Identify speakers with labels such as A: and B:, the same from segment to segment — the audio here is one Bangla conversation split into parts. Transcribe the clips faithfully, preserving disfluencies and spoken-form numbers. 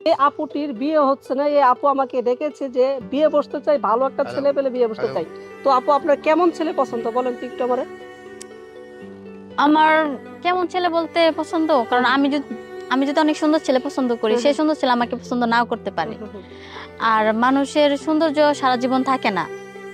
A: এই আপুটির বিয়ে হচ্ছে না। এই আপু আমাকে ডেকেছে যে বিয়ে বসতে চাই, ভালো একটা
B: হ্যালো
A: ছেলে পেলে বিয়ে বসতে
B: হ্যালো
A: চাই। তো আপু আপনার কেমন ছেলে পছন্দ বলেন তো একটু আমারে?
C: আমার কেমন ছেলে বলতে পছন্দ,
A: হুম,
C: কারণ
A: হুম।
C: আমি যদি আমি যদি অনেক সুন্দর ছেলে পছন্দ করি,
A: হুম,
C: সেই
A: হুম।
C: সুন্দর ছেলে আমাকে পছন্দ নাও করতে
A: হুম,
C: পারে।
A: হুম, হুম।
C: আর মানুষের সৌন্দর্য সারা জীবন থাকে না।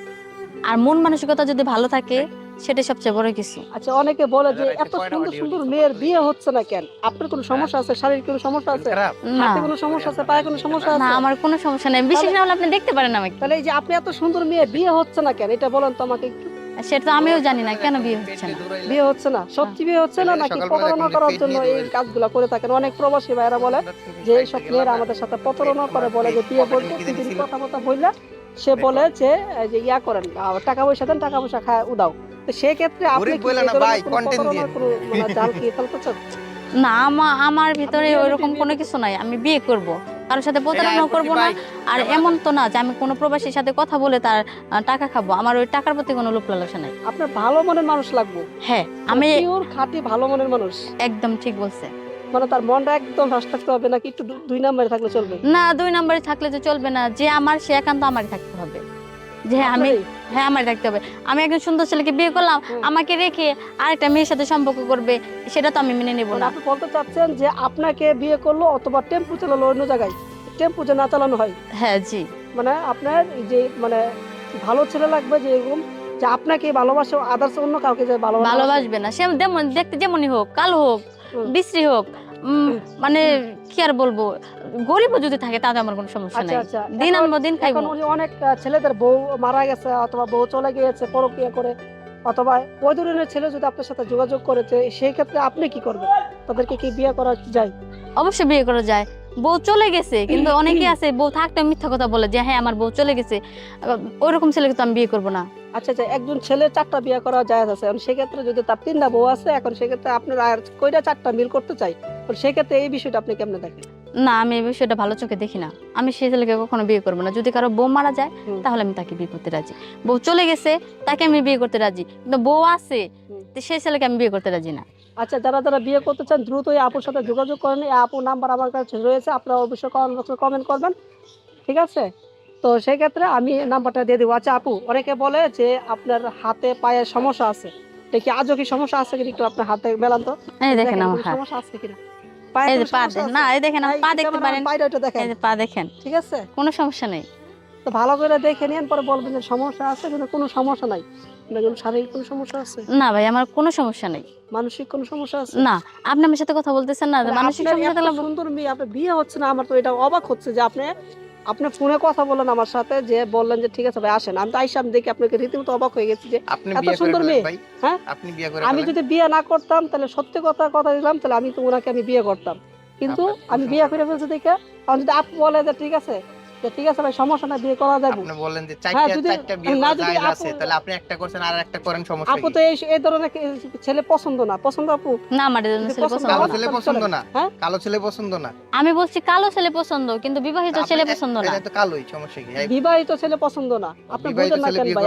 C: আর মন মানসিকতা যদি ভালো থাকে, সেটাই সবচেয়ে বড় কিছু।
A: আচ্ছা, অনেকে বলে
B: দাদা
A: যে
B: রাইতে
A: এত
B: কয়টা
A: সুন্দর,
B: অডিও
A: সুন্দর
B: নিছো
A: মেয়ের
B: কতদিন
A: বিয়ে হচ্ছে না কেন? আপনার কোনো
B: হ্যাঁ
A: সমস্যা আছে? শারীরিক কোনো সমস্যা
B: দিল
A: আছে?
B: খারাপ
C: না,
A: হাতে কোনো সমস্যা আছে? পায়ে কোনো সমস্যা
C: না
A: আছে?
C: আমার কোনো সমস্যা নেই। বিশেষ
A: তাহলে
C: না হলে আপনি দেখতে পারেন আমাকে।
A: তাহলে এই যে আপনি এত সুন্দর মেয়ে বিয়ে হচ্ছে না কেন? এটা বলেন তো আমাকে একটু।
C: আর সেটা তো
B: ও
C: আমিও জানি না
B: সকালে
C: কেন
B: দেখলাম
C: বিয়ে
B: যে পেট
C: হচ্ছে
B: নিয়ে
C: না।
B: দৌড়াইলা
A: বিয়ে হচ্ছে না?
C: হ্যাঁ।
A: সত্যি বিয়ে হচ্ছে না
B: ছেলেরা
A: নাকি
B: সকালবেলা
A: প্রতারণা
B: দেখলাম যে
A: করার
B: পেট
A: জন্য
B: নিয়ে
A: এই
B: দৌড়াইলা
A: কাজগুলা করে থাকেন? অনেক প্রবাসী ভাইয়েরা বলে
B: সুন্দর তুমি
A: যে
B: খাইতে
A: এইসব
B: গেলা
A: মেয়েরা
B: না
A: আমাদের সাথে
B: পেট
A: প্রতারণা
B: তোমার
A: করে, বলে
B: পেট
A: যে বিয়ে
B: পকেটে
A: বলতে
B: লিখে
A: দুই
B: জানি
A: দিন
B: ছিল
A: কথাবার্তা বইলা সে বলে
B: রেকর্ড
A: যে এই যে ইয়া করেন, আ টাকা পয়সা দেন, টাকা পয়সা খায় উদাও। তো সেক্ষেত্রে আপনি
B: গরিব
A: কি
B: বইলা
A: এই
B: না ভাই
A: ধরনের কোনো
B: কন্টেন্ট
A: প্রতারণার
B: দিন
A: কোনো মানে জাল কি ফেলতেছেন?
C: না, আমা আমার
A: আপনি
C: ভিতরে
A: রিয়েলিটি
C: ওইরকম
A: বিয়ে
C: কোনো
A: করতে
C: কিছু নাই। আমি বিয়ে করব। কারোর সাথে
B: এই যে
C: প্রতারণাও
B: এয়ারপোর্ট
C: করব
B: কি
C: না।
B: ভাই
C: আর
B: ক্যামেরা
C: এমন
B: দেন
C: তো না যে আমি কোনো প্রবাসীর সাথে কথা বলে তার আ টাকা খাবো। আমার ওই টাকার প্রতি কোনো লোভ লালসা নাই।
A: আপনার ভালো মনের মানুষ লাগবে।
C: হ্যাঁ,
A: মানে
C: আমি
A: পিওর খাঁটি ভালো মনের মানুষ।
C: একদম ঠিক বলছেন।
A: মানে তার মনটা একদম ফ্রেশ থাকতে হবে নাকি একটু দু দুই নাম্বারে থাকলে চলবে?
C: না, দুই নাম্বারে থাকলে তো চলবে না। যে আমার সে একান্ত আমারই থাকতে হবে। যে হ্যাঁ, আমি
A: আপনারই?
C: হ্যাঁ, আমারই থাকতে হবে। আমি একজন সুন্দর ছেলেকে বিয়ে করলাম,
A: হ্যাঁ।
C: আমাকে রেখে আরেকটা মেয়ের সাথে সম্পর্ক করবে, সেটা তো আমি মেনে নেব
A: মানে
C: না।
A: আপনি বলতে চাচ্ছেন যে আপনাকে বিয়ে করলো অথবা টেম্পু চালালো অন্য জায়গায়। টেম্পু যে না চালানো হয়।
C: হ্যাঁ, জি।
A: মানে আপনার এই যে মানে ভালো ছেলে লাগবে যে এরকম যে আপনাকে ভালোবাসে, আদার্স অন্য কাউকে যে ভালোবাসে না সে।
C: ভালোবাসবে না। সে যেমন দেখতে যেমনই হোক, কালো হোক,
A: হুম।
C: বিশ্রী হোক, উম মানে কি আর বলবো? গরিবও যদি থাকে তাতে আমার কোনো সমস্যা
A: আচ্ছা,
C: নাই।
A: আচ্ছা।
C: দিন
A: এখন
C: আনবো, দিন
A: এখন
C: খাইবো।
A: উনি অনেক আ ছেলেদের বউ মারা গেছে অথবা বউ চলে গিয়েছে পরক্রিয়া করে, অথবা ওই ধরনের ছেলে যদি আপনার সাথে যোগাযোগ করেছে, সেই ক্ষেত্রে আপনি কি করবেন? তাদেরকে কি বিয়ে করা যায়?
C: অবশ্যই বিয়ে করা যায়। বউ চলে গেছে, কিন্তু অনেকেই আছে বউ থাকতেও মিথ্যা কথা বলে যে হ্যাঁ, আমার বউ চলে গেছে। আ ওইরকম ছেলেকে তো আমি বিয়ে করব না।
A: আচ্ছা, আচ্ছা, একজন ছেলে চার টা বিয়ে করা জায়েজ আছে। এখন সেক্ষেত্রে যদি তার তিন টা বউ আছে, এখন সেক্ষেত্রে আপনার আর কইরা চার টা মিল করতে চাই। তো সেক্ষেত্রে এই বিষয়টা আপনি কেমনে দেখেন?
C: না, আমি এই বিষয়টা ভালো চোখে দেখি না। আমি সেই ছেলেকে কখনো বিয়ে করব না। যদি কারো বউ মারা যায়,
A: হুম,
C: তাহলে আমি তাকে বিয়ে করতে রাজি। বউ চলে গেছে, তাকে আমি বিয়ে করতে রাজি। কিন্তু বউ আছে,
A: হুম।
C: তো সেই ছেলেকে আমি বিয়ে করতে রাজি না।
A: আচ্ছা, যারা, যারা বিয়ে করতে চান দ্রুত এই আপুর সাথে যোগাযোগ করেন। এই আপুর নাম্বার আমার কাছে রয়েছে। আপনারা অবশ্যই কমেন্ট বক্সে কমেন্ট করবেন। ঠিক আছে? তো সেই ক্ষেত্রে আমি নাম্বারটা দিয়ে দেব। আচ্ছা আপু, অনেকে বলে যে আপনার হাতে পায়ে সমস্যা আছে। এটা কি আজও কি সমস্যা আছে কিনা একটু আপনার হাতে মেলান তো।
C: এই
A: এই
C: দেখেন
A: দেখেন
C: আমার
A: কোনো
C: হাত।
A: সমস্যা আছে কিনা? পায়ে
C: এই যে
A: কোনো
C: পা
A: সমস্যা
C: দেখেন, না
A: আছে?
C: এই দেখেন আমার
A: এই
C: পা দেখতে
A: ক্যামেরাম্যান
C: পারেন।
A: পায়টা একটু
C: এই
A: দেখেন।
C: যে পা দেখেন।
A: ঠিক আছে?
C: কোনো সমস্যা নেই।
A: তো ভালো করে দেখে নিয়েন, পরে বলবেন যে সমস্যা আছে, কিন্তু কোনো সমস্যা নাই। আপনার কোনো শারীরিক কোনো সমস্যা আছে?
C: না ভাই, আমার কোনো সমস্যা নেই।
A: মানসিক কোনো সমস্যা আছে?
C: না, আপনি আমার সাথে কথা বলতেছেন না, যে
A: তাহলে
C: মানসিক
A: আপনার
C: সমস্যা
A: এত
C: থাকলে ব
A: সুন্দর মেয়ে, আপনার বিয়ে হচ্ছে না, আমার তো এটা অবাক হচ্ছে যে আপনি আপনি ফোনে কথা বললেন আমার সাথে, যে বললেন যে ঠিক আছে ভাই আসেন। আমি তো আইসা আমি দেখি আপনাকে রীতিমতো অবাক হয়ে গেছি যে
B: আপনি
A: এত
B: বিয়ে করে
A: সুন্দর
B: ফেলেন
A: মেয়ে।
B: ভাই
A: হ্যাঁ?
B: আপনি বিয়ে করে
A: আমি
B: ফেলেন
A: যদি বিয়ে না করতাম তাহলে সত্যি কথা কথা দিলাম, তাহলে আমি তো উনাকে আমি বিয়ে করতাম। কিন্তু
B: আপনার
A: আমি বিয়ে
B: কুসংস্কার
A: করে
B: আছে
A: ফেলছি দেখে, এখন যদি আপু বলে যে ঠিক আছে, যে ঠিক আছে ভাই সমস্যা নাই, বিয়ে করা যাবে।
B: আপনি বললেন যে
A: হ্যাঁ,
B: চারটা
A: যদি
B: চারটা বিয়ে
A: না
B: করা
A: যদি
B: জায়েজ
A: আপু
B: আছে তাহলে আপনি একটা করছেন আর একটা করেন সমস্যা
A: আপু
B: কি
A: তো এই এই ধরনের কে- ছেলে পছন্দ না। পছন্দ আপু?
C: না, আমার এই
A: যদি
C: ধরনের ছেলে
A: পছন্দ
C: পছন্দ
B: কালো
A: না
C: না।
B: ছেলে
A: তাহলে
B: পছন্দ
A: চলেন।
B: না
A: হ্যাঁ?
B: কালো ছেলে পছন্দ না
C: আমি বলছি কালো ছেলে পছন্দ, কিন্তু বিবাহিত
B: তা আপনি
C: ছেলে
B: এক-
C: পছন্দ না।
B: এটা তো কালোই সমস্যা কি এই
A: বিবাহিত ছেলে পছন্দ না। আপনি
B: বিবাহিত
A: বুঝেন না
B: ছেলে
A: কেন
B: বিয়ে
A: ভাই?